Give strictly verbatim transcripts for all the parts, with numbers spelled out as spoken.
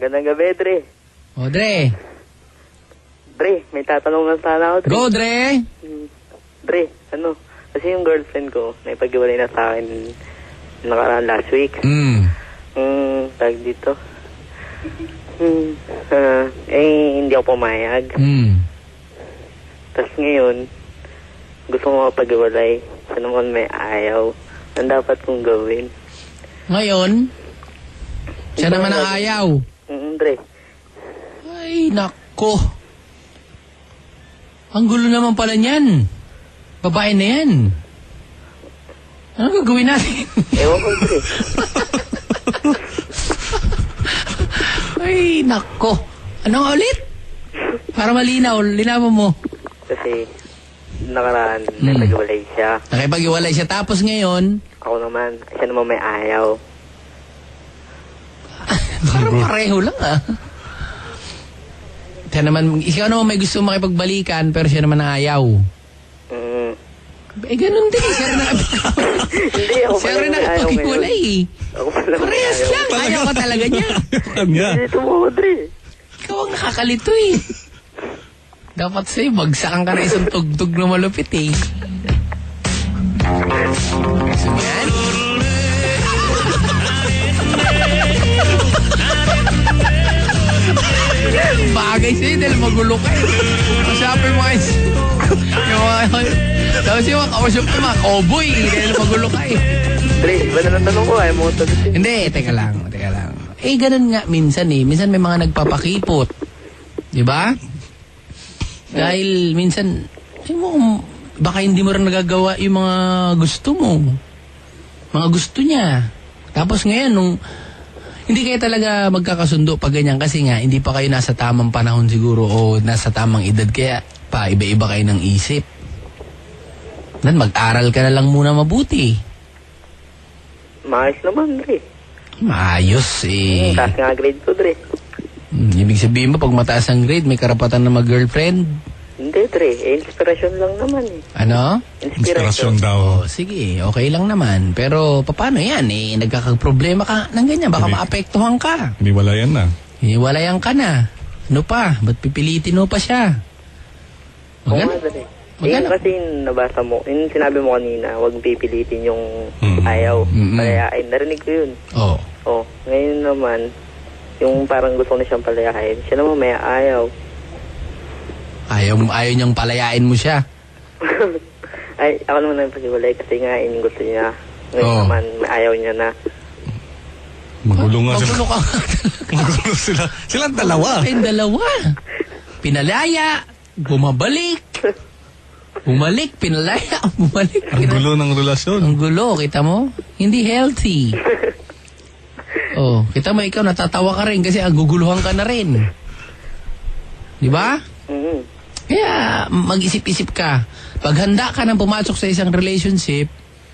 Gandang gabi, Dre. O, Dre. Dre, may tatanungan sana ako, Dre. Go, Dre! Hmm. Dre, ano? Kasi yung girlfriend ko, naipag-iwalay na sa akin nakaraan last week. Hmm. Hmm, tag dito. Hmm, uh, eh, hindi ako pumayag. Hmm. Tapos ngayon, gusto ko mapag-iwalay. Siya naman may ayaw. Ang dapat kong gawin. Ngayon, siya naman ang ayaw. Hmm, Dre. Ay, nako. Ang gulo naman pala niyan. Babae na yan. Ano gagawin natin? Ewan ko, Dre. Ay, nako. Ano nga ulit? Para malinaw, linawan mo. Kasi, nakaraan, Hmm. naipag-iwalay siya. Nakipag-iwalay siya. Tapos ngayon, Ako naman, siya naman may ayaw. parang pareho lang ah. Siya naman, ikaw naman may gusto makipagbalikan, pero siya naman ang ayaw. Mm. Eh, ganun din. Siya rin ang Hindi, ako siya pala rin may ayaw nakipag-iwalay ngayon. eh. Ako pala may Parehas ayaw. lang. Ayaw ka talaga niya. Kanya. Dito mo, Dre. Ikaw ang nakakalito eh. Dapat sa'yo, bagsakan ka na isang tugtog na malupit eh. Gusto mo yan? Bagay sa'yo dahil magulo ka eh. Kausapin mo guys. Yung mga... Tapos yung mga kausap mo, mga cowboy eh, dahil magulo ka eh. Dre, iba na lang tanong ko, ayaw mo ito. Hindi, teka lang, teka lang. Eh, ganun nga minsan eh. Minsan may mga nagpapakipot. Di ba? Dahil minsan, sabi mo, baka hindi mo rin nagagawa yung mga gusto mo. Mga gusto niya. Tapos ngayon, nung hindi kayo talaga magkakasundo pag ganyan kasi nga, hindi pa kayo nasa tamang panahon siguro o nasa tamang edad. Kaya pa, iba-iba kayo ng isip. Dan, mag-aral ka na lang muna mabuti. Maayos naman, Dre. Maayos eh. Hmm, taas nga grade ko, Dre. Hmm, ibig sabihin mo, pag mataas ang grade, may karapatan na mag-girlfriend? Hindi, Dre. Eh, inspiration lang naman eh. Ano? Inspirasyon daw. Oh, sige, okay lang naman. Pero paano yan eh? Nagkakaproblema ka ng ganyan. Baka Hindi. maapektuhan ka. Hindi wala yan na. Hiwalayan ka na. Ano pa? Ba't pipilitin mo pa siya? Oo Magana? nga, Dre. Eh, Magana? kasi yung nabasa mo, yung sinabi mo kanina, huwag pipilitin yung Mm. ayaw. Mm-mm. Palayain. Narinig ko yun. Oh. Oh, ngayon naman, yung parang gusto ko na siyang palayain, siya naman may ayaw. Ayaw, ayaw niyang palayain mo siya. Ay, ako naman ang pag-iwalay kasi nga, yun yung gusto niya. Ngayon Oh. naman, may ayaw niya na. Magulo nga sila. Magulo ka. Magulo sila. Silang dalawa. Kayong dalawa. Pinalaya, bumabalik. Bumalik, pinalaya, bumalik. Ang gulo ng relasyon. Ang gulo, kita mo? Hindi healthy. Oh, kita mo, ikaw natatawa ka rin kasi ang guguluhan ka na rin. Di ba? Mm-hmm. Kaya mag-isip-isip ka. Pag handa ka nang pumasok sa isang relationship,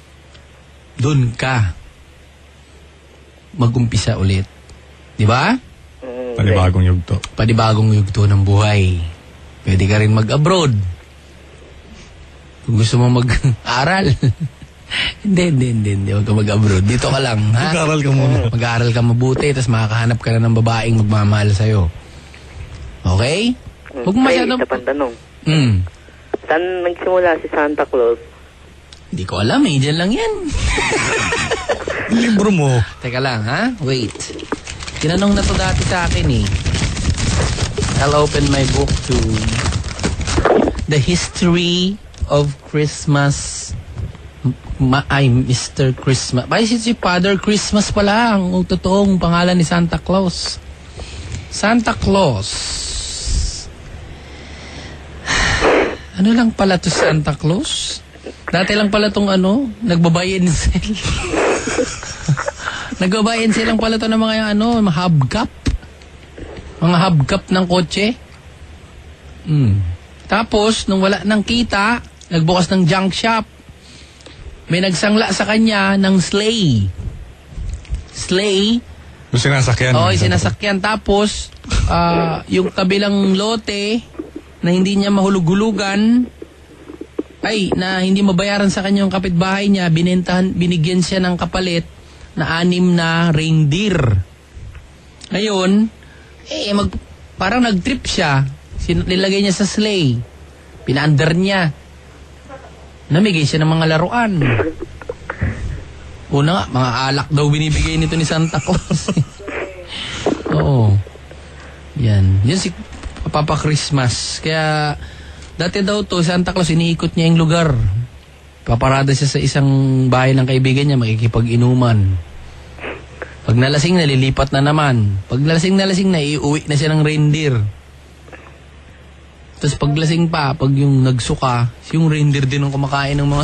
dun ka mag-umpisa ulit. Di ba? Mm-hmm. Panibagong yugto. Panibagong yugto ng buhay. Pwede ka rin mag-abroad. Kung gusto mo mag-aral. Hindi, hindi, hindi, hindi. Huwag ka mag-abroad. Dito ka lang, ha? Mag-aral ka muna. Mag-aaral ka mabuti, tapos makakahanap ka na ng babaeng magmamahal sa'yo. Okay? Huwag mo Ay, masyadong... isa pang tanong. Hmm. Saan nagsimula si Santa Claus? Hindi ko alam eh. Diyan lang yan. Libro mo. Teka lang, ha? Wait. Tinanong na to dati sa akin eh. I'll open my book to the history of Christmas. Ma ay, Mister Christmas. Ay, si, si Father Christmas pala ang totoong pangalan ni Santa Claus. Santa Claus. Ano lang pala to Santa Claus? Dati lang pala tong ano, nagbabuy and sell. Nagbabuy and sell lang pala to ng mga ano, mga hubcap. Mga hubcap ng kotse. Hmm. Tapos, nung wala nang kita, nagbukas ng junk shop. May nagsangla sa kanya ng sleigh. Sleigh. Yung sinasakyan. Oo, yung sinasakyan. Tapos, ah, yung kabilang lote na hindi niya mahulug-hulugan, ay, na hindi mabayaran sa kanya yung kapitbahay niya, binentahan, binigyan siya ng kapalit na anim na reindeer. Ngayon, Eh, mag, parang nag-trip siya. Sin- nilagay niya sa sleigh. Pinaandar niya. Namigay siya ng mga laruan. Una nga, mga alak daw binibigay nito ni Santa Claus. Oo. Yan. Yan si Papa Christmas. Kaya, dati daw to, Santa Claus, iniikot niya yung lugar. Paparada siya sa isang bahay ng kaibigan niya, makikipag-inuman. Pag nalasing, nalilipat na naman. Pag nalasing, nalasing na, iuwi na siya ng reindeer. Tapos pag lasing pa, pag yung nagsuka, yung reindeer din ang kumakain ng mga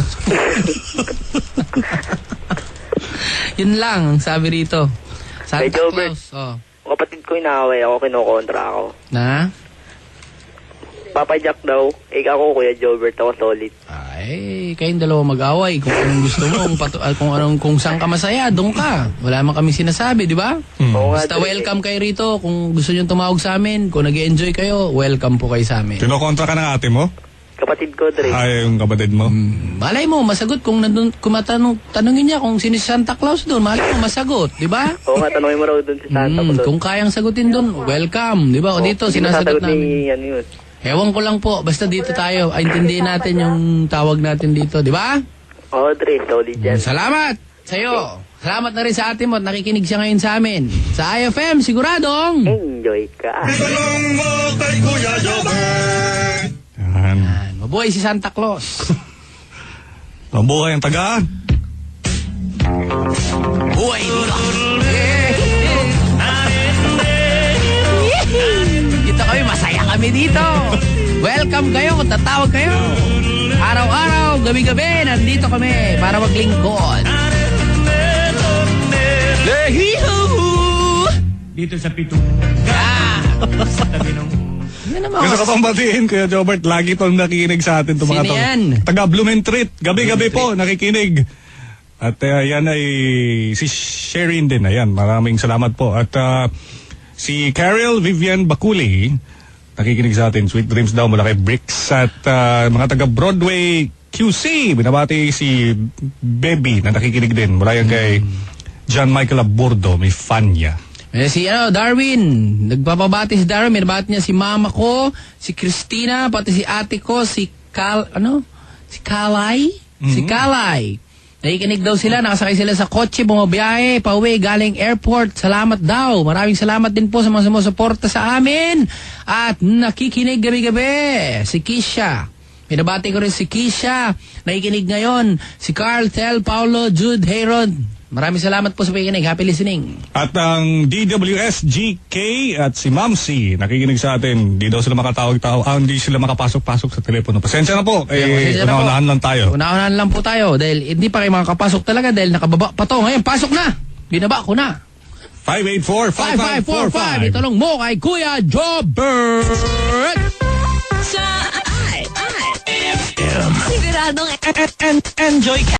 Yun lang, ang sabi rito. Santa Hey, Jobert. Claus. Oh. Kapatid ko inaaway ako, kinukontra ako. Na? Papa Jack daw, eh ako Kuya Jobert, ako solid. Ay, kayong dalawa mag-away. Kung anong gusto mo, kung, patu- ah, kung, anong, kung saan ka masaya, doon ka. Wala man kami sinasabi, di ba? Hmm. Oo nga, Basta Dre. welcome kayo rito. Kung gusto nyo tumawag sa amin, kung nag-enjoy kayo, welcome po kayo sa amin. Kinokontra ka ng ate mo? Kapatid ko, Dre. Ay, yung kapatid mo. Hmm, malay mo, masagot kung nandun, kung matanong, tanongin niya kung sino si Santa Claus doon, malay mo, masagot, di ba? Oo nga, tanongin mo raw dun si Santa Hmm, Claus. kung kayang sagutin doon, welcome, di ba? O dito, Hindi sinasagot masasagot namin. ni, ano yun. Ewan ko lang po, basta dito tayo, ay, intindihin natin yung tawag natin dito, di ba? Oo, Dre, solid yan. Salamat sa'yo. Salamat na rin sa atin mo at nakikinig siya ngayon sa amin. Sa I F M, siguradong. Enjoy ka. Yan. Yan, mabuhay si Santa Claus. Mabuhay ang tagaan. Buhay dito. Dito kami, masaya kami dito. Welcome kayo kung tatawag kayo. Araw-araw, gabi-gabi, nandito kami para maglingkod. Lehiho! Dito sa pitong Ah! sa tabi ng Ano naman? Gusto ko pang batiin, Kuya Jobert, lagi itong nakikinig sa atin. Itong mga Sino to. yan? Taga Blumentritt. Gabi-gabi po, nakikinig. At uh, yan ay si Sherin din. Ayan, maraming salamat po. At uh, si Carol Vivian Baculi, nakikinig sa atin. Sweet Dreams daw mula kay Bricks. At uh, mga taga Broadway Q C, binabati si Baby na nakikinig din. Mula yan kay John Michael Aburdo, may fan niya. Eh, si ano, Darwin, nagpapabati si Darwin, minabati niya si mama ko, si Christina, pati si ate ko, si Kal, ano? Si Kalay? Si Kalay. Nakikinig daw sila, nakasakay sila sa kotse, bumabiyahe, pauwi, galing airport. Salamat daw. Maraming salamat din po sa mga sumusuporta sa amin. At nakikinig gabi-gabi, si Kisha. Minabati ko rin si Kisha, nakikinig ngayon, si Carl, Tel, Paulo, Jude, Hayron. Maraming salamat po sa pakikinig. Happy listening. At ang D W S G K at si Mamsi, nakikinig sa atin. Di daw sila makatawag-tawag. Ah, hindi sila makapasok-pasok sa telepono. Pasensya na po. Eh, Pasensya na po. unahan lang tayo. Unahan lang po tayo dahil hindi pa kayo makakapasok talaga dahil nakababa pa to. Ngayon, pasok na. Binaba ko na. five eight four, five five four five. Itanong mo kay Kuya Jobert. Sa I I F M. Siguradong enjoy